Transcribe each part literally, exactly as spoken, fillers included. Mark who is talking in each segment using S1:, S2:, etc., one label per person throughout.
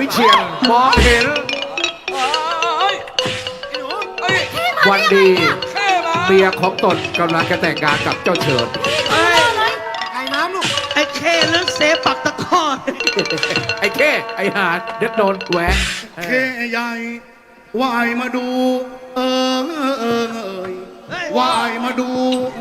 S1: เฉียนมองเห็นวันดีเมียของตนกำลังจะแต่งงานกับเจ้าเฉิด
S2: ไอ้น้ำลูก
S3: ไอ้เคเลือกเซปักตะกอน
S1: ไอ้แค่ไอ้หาดเด็กโดนแหวะ
S2: เคใหญ่ว่ายมาดู เออเออเอยว่ายมาดู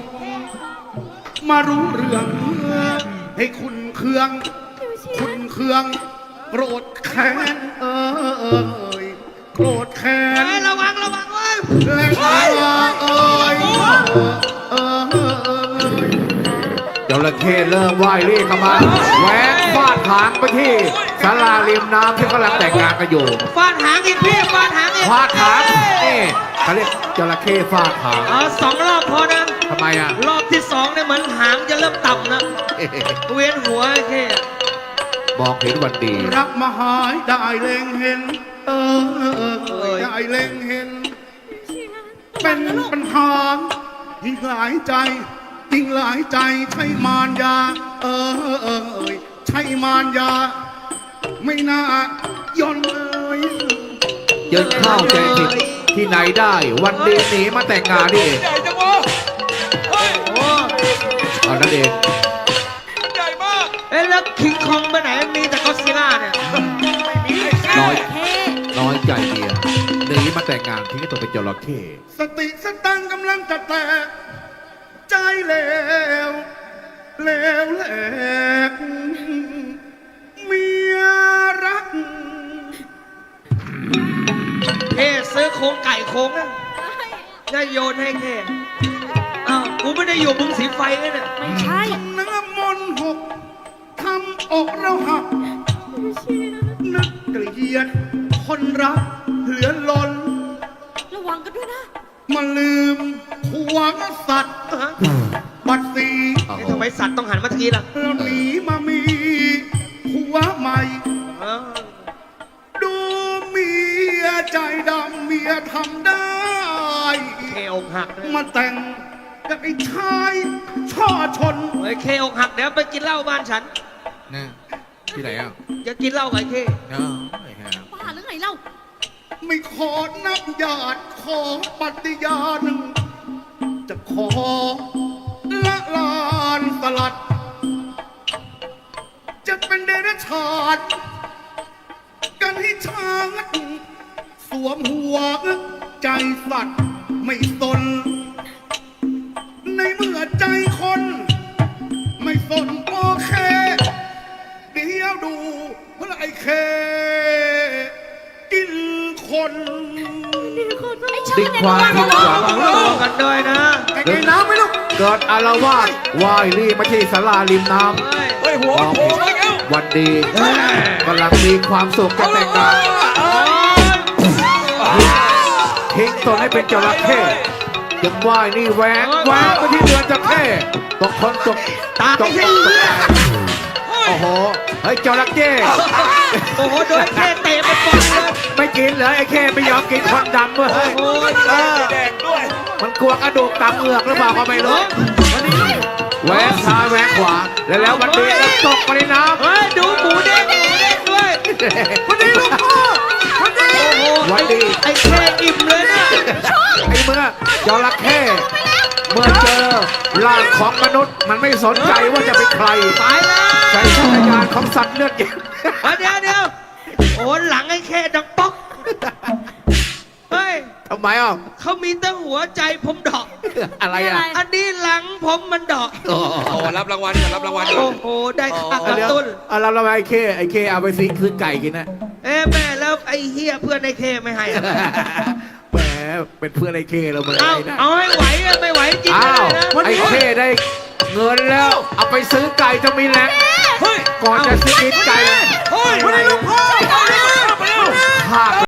S2: มารู้เรื่องให้คุณเครื่อง คุณเครื่องโกรธแค้นเออเออเอยโกรธแค้น
S3: ระวังระวังเว้ย
S2: และเออเอยเออเออ
S1: จระเข้เริ่มว่ายเรียกเข้ามาแหวกฟาดหางไปที่ศาลาริมน้ำที่กำลังแต่งงานกันอยู่
S3: ฟาดหางอีกพี่ฟาดหางอีก
S1: ฟาดหางนี่เขาเรียกจระเข้ฟาดหาง
S3: เอาสองรอบพอนะ
S1: ทำไมอ่ะ
S3: รอบที่สองเนี่ยเหมือนหางจะเริ่มต่ำนะเวียนหัวไอ้เค
S1: มองเห็นวันดี
S2: รักมาหายได้เล็งเห็น เออเออเออได้เล็งเห็น เป็นปัญหายิ่งหลายใจยิ่งหลายใจใช่มารยา เออเออเออใช่มารยา ไม่น่าย่อนเอ้ย
S1: เยินเข้าใจผิดที่ไหนได้วันดีหนีมาแต่งงานนี่เอง
S4: ใหญ่จังวะเฮ้ย
S3: โอ้
S1: เอานั่นเอง
S4: ใหญ่มาก
S3: เอ้ยแล้วคิงคองไปไหนมีแต่ก็อดซิลล่าเนี่ย
S1: น้อยน้อยใจเมียหนีมาแต่งงานทิ้งตัวเป็นจระเข้
S2: สติสตังค์กำลังจะแตกใจเลวเลวแหลกเมียรัก
S3: เคซื้อโครงไก่โครงนะจะโยนให้เคอ้าวกูไม่ได้อยู่มึงสีไฟเลยเนี่ย
S5: ไม่ใช่
S2: น้ำมนต์หกทำอกเราหัก นึกเกลียดคนรักเหลือล้น
S5: ระวังกันด้วยนะ
S2: มาลืมผัวสัตว์
S3: ฮะ
S2: บัดสี
S1: โอ้โห
S3: ทำไมสัตว์ต้องหันมาทางนี้ล่ะ
S2: แล้วหนีมามีผัวใหม่
S3: เออ
S2: ดูเมียใจดำเมียทำได้
S3: เคอกหักเลย
S2: มาแต่งกับไอ้ชายช่อชน
S3: เฮ้ยเคอกหักเดี๋ยวไปกินเหล้าบ้านฉัน
S1: นะที่ไหนอ่ะ
S3: จะกินเหล้ากับไอ้เค
S1: เนาะไม่แค่
S5: บ้าหรือไงเล่า
S2: ไม่ขอนับญาติขอปฏิญาณจะขอละลานสลัด จะเป็นเดรัจฉานกันให้ชาติสวมหัวใจสัตว์ไม่สน ในเมื่อใจคน ไม่สนโอเค เดี๋ยวดูเพราะไอ้เค กินคน
S5: ไอ้เชิ
S1: ดิ้
S5: ญ
S1: น
S5: เนี่ย
S1: ควายดิ้นขวา
S3: ระวังกันด้วยนะ
S2: ไอ้ไอ้น้ำไหมลูก
S1: เกิดอารวาสว่ายรีมาที่ศาลาริมน้
S3: เฮ้ย
S4: เฮ้ยหัว
S1: ำมอง
S4: โผล่
S1: เห็น
S4: มาแล้ว
S1: วันดีกำลังมีความสุขจะแต่งงาน
S3: โอ้ย
S1: ทิ้งตนให้เป็นจระเข้ยังว่ายนี่แหวกแหวกไปที่เรือนจระเข้ตกคนตก
S3: ตา
S1: ต
S3: ไม่
S1: ก
S3: ใช่เลือด
S1: โอ้โหเฮ้ยจระเข้
S3: โอ้โหโดนเคเตะไปก่อนเลย
S1: ไม่กินเหรอไอ้เข้ไม่ยอมกินคนดำเว้ย
S3: โอ้ย
S1: เออ
S4: แดงด้วย
S1: มันกลัวกระดูกตามเอือกหรือเปล่าก็ไม่รู้แหวกซ้ายแหวกขวาแล้วแล้ววันดีก็ตกไปในน้ำ
S3: เฮ้ยดูหมูเด้งหมูเด้งด้วย
S1: วันดีลูกพ่อวันดี
S3: โอ้โห
S1: วันดี
S3: ไอ้เคอิ่มเลยนะ
S1: ไอ้เมื่อจระเข้เมื่อเจอร่างของมนุษย์มันไม่สนใจว่าจะเป็นใคร
S3: ตายแล้ว
S1: ใช้สัญญาณของสัตว์เลือดเย็น
S3: เดี๋ยวเดี๋ยวโอ้หลังไอ้เคดังป๊อกเฮ้ย
S1: ทำไมอ่ะ
S3: เขามีแต่หัวใจผมดอก
S1: อะไรอ่ะ
S3: อันนี้หลังผมมันดอก
S1: โอ้
S4: โอ้รับรางวัลก่อนรับรางวัลก่อ
S3: โอ้
S4: น
S3: โหได้ค่ากระ
S1: เดี๋ยว
S3: ตุ้น
S1: เอาเราเราไอ้เข้ไอ้เข้เอาไปซีคือไก่กินนะ
S3: เอ้แม่แล้วไอ้เฮียเพื่อนไอ้เคไม่ให้อะ
S1: แหมเป็นเพื่อนไอ้เข้เรามาเล
S3: เอา
S1: ยนะ
S3: เอาให้ไหวอะไม่ไหวจริง
S1: อ้า
S3: เล
S1: วย
S3: นะ
S1: ไอ้เข้ได้เงินแล้ว เอาไปซื้อไก่จะมีแรง
S4: เฮ้ย
S1: ก่อนจะซื้อกินไก่
S4: เฮ้ย
S1: ภาค